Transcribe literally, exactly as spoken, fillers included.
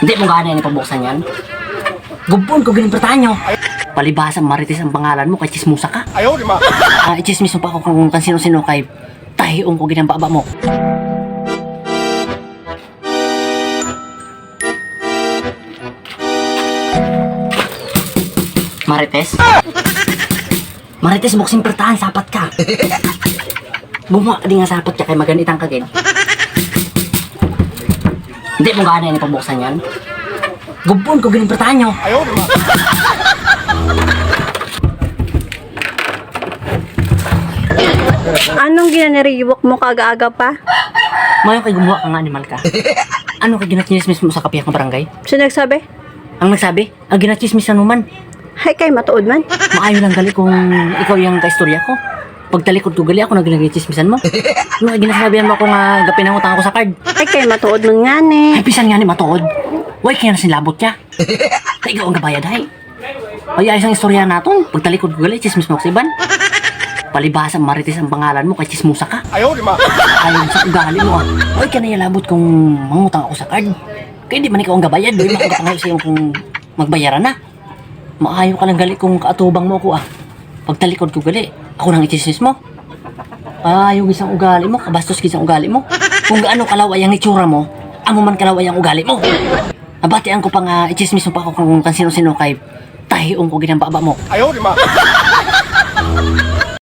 Hindi mo gana yung pabuksan yan. Gubon ko ginimpertahan nyo. Palibasa Marites ang pangalan mo kay chismusa ka. Ayaw, di ba? Ah, i-chismis mo pa ako kung kan sino-sino kay tahiong ko ginambaba mo. Marites? Marites, buksing pertahan, sapat ka. Bumuha ka din nga sapat ka kay maganitang kagin. Hindi mo gana yung pabuksan yan. Gubon ko ginimpertahan nyo. Ayaw, di ba? Anong ginaniriwak mo kaga-aga pa? Mayo kay gumawa ka nga animal ka. Ano kay ginachismis mo sa kapiyak ng barangay? Sino nagsabi? Ang nagsabi, ang ginachismis na naman. Hay kay matuod man. Maayo lang gali kung ikaw yung kaistorya ko. Pag talikod ko gali, ako na ginachismisan mo. Ano kay ginasabihan mo ako nga gapinangutang ako sa card? Hay kay matuod man nga ni. Ay, pisan nga ni matuod. Why kaya na sinlabot niya? Kaya ikaw ang gabayad, hay. Ay, ayos ang istorya natin. Pag talikod ko gali, chismis mo ako sa iban. Palibasa Marites ang pangalan mo kay chismusa ka. Ayaw, di ba? Ayaw sa ugali mo ah. Ay, ka na yalabot kung mangutang ako sa card. Kaya di man ikaw ang gabayad. Doon makagapangayo sa'yo kung magbayaran na. Maayo ka lang gali kung kaatubang mo ako ah. Pag talikod ko gali, ako nang ichismis mo. Ayaw gisang ugali mo, kabastos gisang ugali mo. Kung gaano kalaway ang itsura mo, amo man kalaway ang ugali mo. Abatian ko pa nga ichismis mo pa ako kung kan sino-sino kay tahiong ko ginambaba mo. Ayaw, di ba?